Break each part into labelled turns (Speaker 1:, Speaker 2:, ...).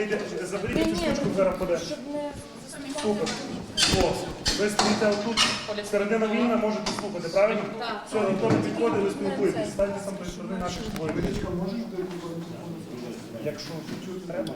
Speaker 1: Заберіть цю штучку, зараз поде. Супер. О, ви стоїте отут, середина вільна, можете слухати, правильно? Так. Все, хто не підходить, ви спілкуєтесь. Станьте сам тої сторони наших зборів. Якщо чуть треба,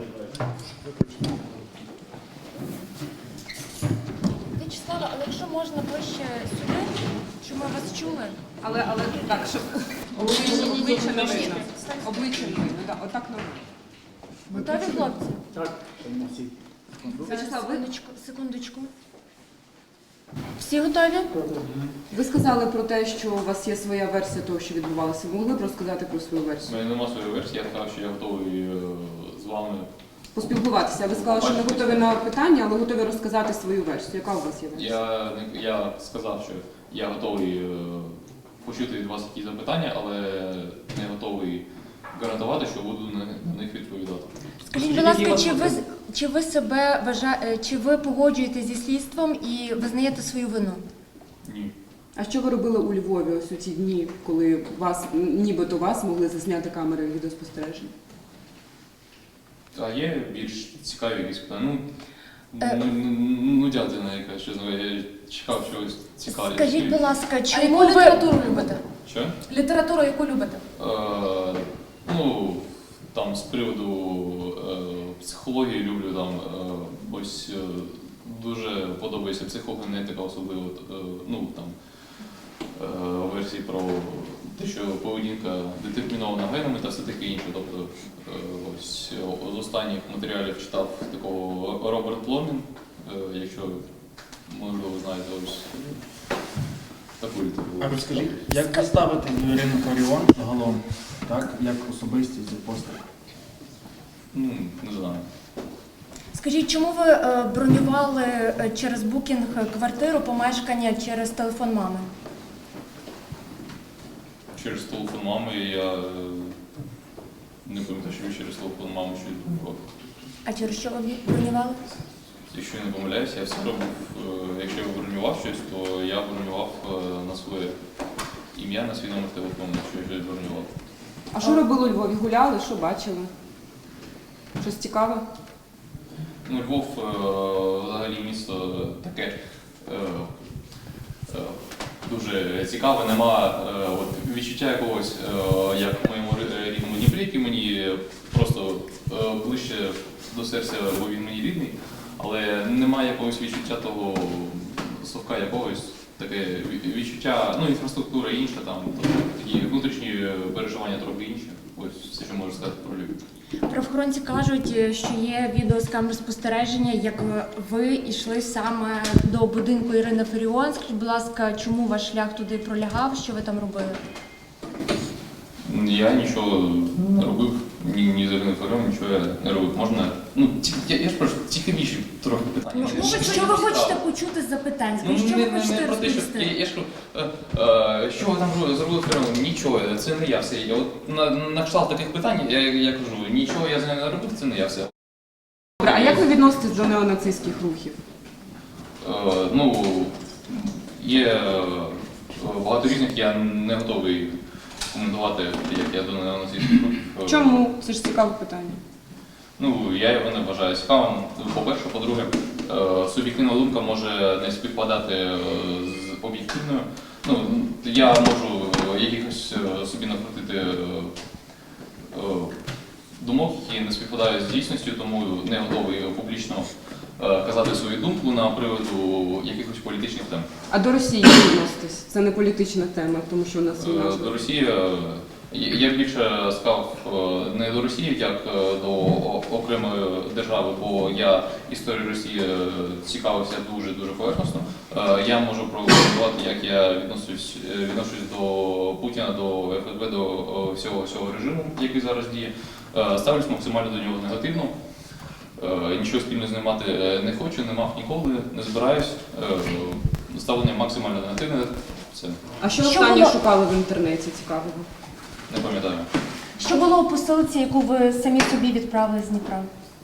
Speaker 2: В'ячеслава, але якщо можна ближче сюди, щоб ми вас чули.
Speaker 3: Але так, щоб обличчя не видно. Обличчя не видно, так, отак нормально.
Speaker 2: Готові, хлопці?
Speaker 1: так.
Speaker 3: Вячеслав, ви,
Speaker 2: Секундочку. Всі готові?
Speaker 3: ви сказали про те, що у вас є своя версія того, що відбувалося. Ви могли б розказати про свою
Speaker 4: У
Speaker 3: версію?
Speaker 4: мене немає своєї версії, я сказав, що я готовий з вами.
Speaker 3: Поспілкуватися. Ви сказали, що не готові на питання, але готові розказати свою версію. Яка у вас є версія?
Speaker 4: Я сказав, що я готовий почути від вас якісь запитання, але не готовий гарантувати, що буду на них відповідати.
Speaker 2: Скажіть, будь ласка, чи ви себе вважаєте, чи ви погоджуєтесь зі слідством і визнаєте свою вину?
Speaker 4: Ні.
Speaker 3: А що ви робили у Львові ось у ті дні, коли вас, нібито вас могли засняти камери відеоспостереження?
Speaker 4: А є більш цікаві якісь питання? Нудятина якась, чесно, я чекав чогось цікавого.
Speaker 2: Скажіть, будь ласка,
Speaker 5: А
Speaker 2: чому
Speaker 5: яку
Speaker 2: ви...
Speaker 5: літературу любите?
Speaker 4: Що?
Speaker 5: Літературу яку любите?
Speaker 4: Там з приводу психології люблю, там ось дуже подобається психогенетика, особливо версії про те, що поведінка детермінована генами та все таке інше. Тобто ось з останніх матеріалів читав такого Роберт Пломін, якщо можливо ви знаєте ось таку літературу.
Speaker 6: А розкажіть, як ви ставите до Ірини Фаріон загалом, так, як особистість і постать?
Speaker 4: Не знаю.
Speaker 2: Скажіть, чому ви бронювали через букінг квартиру, помешкання через телефон мами?
Speaker 4: Через телефон мами я не пам'ятаю, що через телефон мами щось відбував.
Speaker 2: А через що ви бронювали?
Speaker 4: Якщо я не помиляюся, я все робив, якщо я бронював щось, то я бронював на своє ім'я, на свій номер телефону, якщо я щось бронював.
Speaker 3: А що робили у Львові? Гуляли? Що бачили? Щось цікаве?
Speaker 4: Львов взагалі місто таке дуже цікаве, нема відчуття якогось, як в моєму рідному Дніпрі, який мені просто ближче до серця, бо він мені рідний, але немає якогось відчуття того совка якогось, таке відчуття, інфраструктура інша, там такі внутрішні переживання трохи інші. Ось все, що можу сказати про Львів.
Speaker 2: Правоохоронці кажуть, що є відео з камер спостереження, як ви йшли саме до будинку Ірини Фаріон. Скажіть, будь ласка, чому ваш шлях туди пролягав, що ви там робили?
Speaker 4: Я нічого не робив, ні з Іриною Фаріон, нічого я не робив. Можна, я ж прошу, цікавіші трохи питання.
Speaker 2: Що ви хочете почути з запитань? Скажіть, що ви хочете розповісти?
Speaker 4: Я ж кажу, що ви там зробили Фаріон? Нічого, це не я все. Я от на кшталт таких питань, я кажу, нічого я з нею не робив, це не я все.
Speaker 3: Добре, а як ви відноситесь до неонацистських рухів?
Speaker 4: Є багато різних, я не готовий коментувати, як я до неонацистських рухів.
Speaker 3: Чому? Це ж цікаве питання.
Speaker 4: Я його не вважаю цікавим. По-перше, по-друге, суб'єктивна думка може не співпадати з об'єктивною. Я можу якихось собі накрутити думок, які не співпадають з дійсністю, тому не готовий публічно казати свою думку на приводу якихось політичних тем.
Speaker 3: А до Росії як відноситесь? Це не політична тема, тому що у нас війна.
Speaker 4: До Росії я більше сказав не до Росії, як до окремої держави, бо я історією Росії цікавився дуже поверхностно. Я можу прокоментувати, як я відношусь до Путіна, до ФСБ, до всього режиму, який зараз діє. Ставлюсь максимально до нього негативно. Нічого спільно з ним мати не хочу, не мав ніколи, не збираюсь. Ставлення максимально негативне. Все.
Speaker 3: А що останнє шукали в інтернеті цікавого?
Speaker 4: Не пам'ятаю.
Speaker 2: Що було у посилці, яку ви самі собі відправили з Дніпра?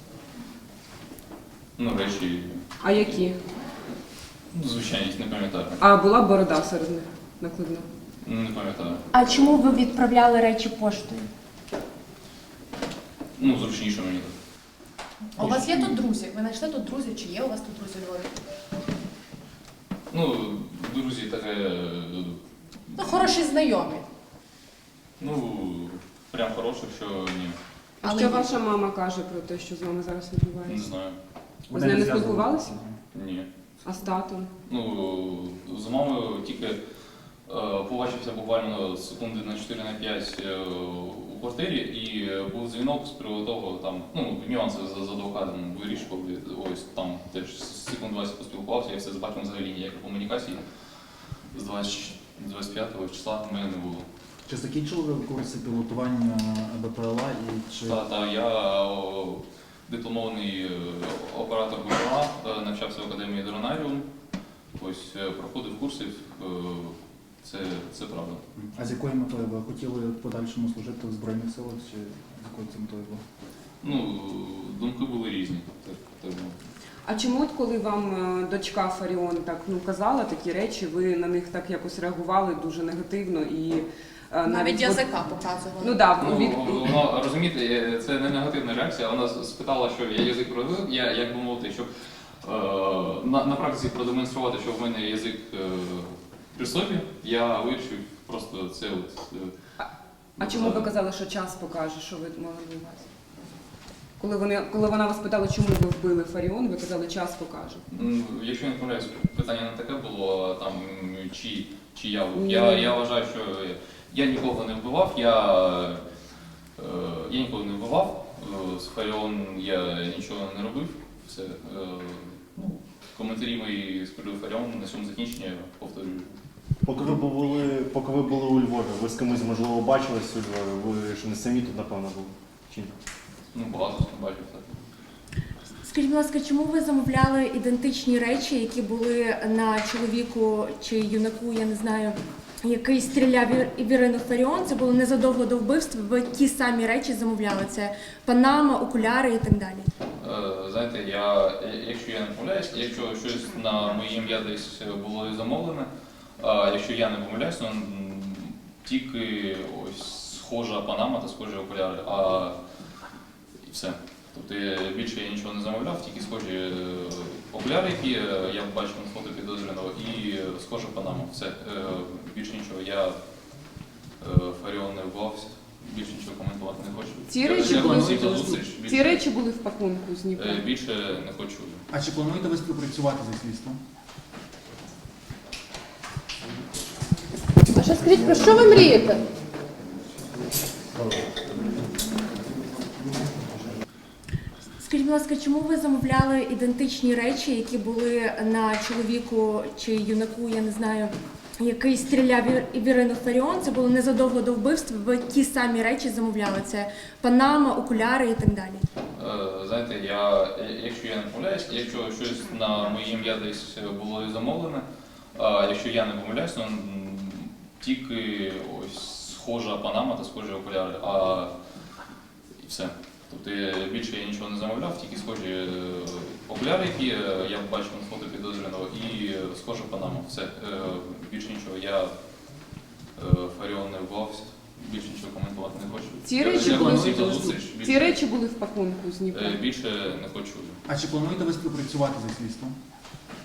Speaker 4: Речі.
Speaker 3: А які?
Speaker 4: Звичайність, не пам'ятаю.
Speaker 3: А була борода серед них накладна?
Speaker 4: Не пам'ятаю.
Speaker 2: А чому ви відправляли речі поштою?
Speaker 4: Зручніше мені
Speaker 5: А у вас є тут друзі? Ви знайшли тут друзів? Чи є у вас тут друзі у Львові?
Speaker 4: Ну, друзі, таке,
Speaker 5: Ну, хороші знайомі.
Speaker 4: ну, прям хороше, що ні.
Speaker 3: А
Speaker 5: Але
Speaker 3: що
Speaker 5: є.
Speaker 3: ваша мама каже про те, що з вами зараз
Speaker 4: Не
Speaker 3: відбувається?
Speaker 4: знаю.
Speaker 3: Ви з нею не
Speaker 6: зв'язували?
Speaker 3: спілкувалися?
Speaker 4: Ні.
Speaker 3: А з татом?
Speaker 4: Ну, з мамою тільки побачився буквально секунди на 4-5 у квартирі, і був дзвінок з приводу того, там, ну, нюанси з адвокатом вирішували, ось там теж секунд 20 поспілкувався, я все з батьком взагалі ніякої комунікації з 25-го числа в мене не було.
Speaker 6: Чи закінчили ви курси пілотування БПЛА і чи
Speaker 4: Я дипломований оператор БПЛА, навчався в академії Дронаріум, ось проходив курси, це правда.
Speaker 6: а з якою метою ви хотіли в подальшому служити в Збройних силах, чи з якою це метою було?
Speaker 4: Ну, думки були різні. Так було.
Speaker 3: А чому, от коли вам дочка Фаріон так казала такі речі, ви на них так якось реагували дуже негативно і
Speaker 5: Навіть язика показували.
Speaker 3: Ну да,
Speaker 4: Ну,
Speaker 3: від...
Speaker 4: вона, розумієте, це не негативна реакція. Вона спитала, що я язик провів, я, як би мовити, щоб на практиці продемонструвати, що в мене язик при собі, я вирішив просто це от.
Speaker 3: А чому ви казали, що час покаже, що ви мали на увазі? Коли вона вас питала, чому ви вбили Фаріон, ви казали, час покаже.
Speaker 4: Якщо я не помиляюсь, питання не таке було, там, чи я вбив.
Speaker 3: Ні.
Speaker 4: Я вважаю, що я нікого не вбивав, я нікого не вбивав, з Фаріон я нічого не робив. Все. Ну, коментарі мої з приводу Фаріон на цьому закінчення повторюю.
Speaker 7: Поки ви були у Львові, ви з кимось, можливо, бачились у Львові? Ви ж не самі тут, напевно, були? Чи ні?
Speaker 4: Ну, багато з ким бачив, так.
Speaker 2: Скажіть, будь ласка, чому ви замовляли ідентичні речі, які були на чоловіку чи юнаку, я не знаю, який стріляв в Ірину Фаріон? Це було незадовго до вбивства. Ви ті самі речі замовляли. Це панама, окуляри і так далі.
Speaker 4: Знаєте, якщо я не помиляюсь, якщо щось на моє ім'я десь було замовлене, якщо я не помиляюсь, то тільки ось схожа панама та схожі окуляри, і все. Тобто більше я нічого не замовляв, тільки схожі окуляри, які я бачив на фото підозрюваного, і схожа панама. Все. Більше нічого. Я Фаріон не вбивався, більше нічого коментувати не хочу.
Speaker 3: Ці речі були в пакунку з Дніпра?
Speaker 4: Більше не хочу.
Speaker 6: А чи плануєте ви співпрацювати зі слідством?
Speaker 5: А ще скажіть, про що ви мрієте?
Speaker 2: Скажіть, будь ласка, чому ви замовляли ідентичні речі, які були на чоловіку чи юнаку, я не знаю, який стріляв в Ірину Фаріон? Це було незадовго до вбивства. Ви ті самі речі замовляли. Це панама, окуляри і так далі.
Speaker 4: Знаєте, якщо я не помиляюсь, якщо щось на моє ім'я десь було замовлене, якщо я не помиляюсь, то тільки ось схожа панама та схожі окуляри, і все. Тобто більше я нічого не замовляв, тільки схожі окуляри, які я бачив на фото підозрюваного, і схожа панама. Все. Більше нічого. Я Фаріон не вбивався, більше нічого коментувати не хочу.
Speaker 3: Ці речі були в пакунку з Дніпра?
Speaker 4: Більше не хочу.
Speaker 6: А чи плануєте ви співпрацювати зі слідством?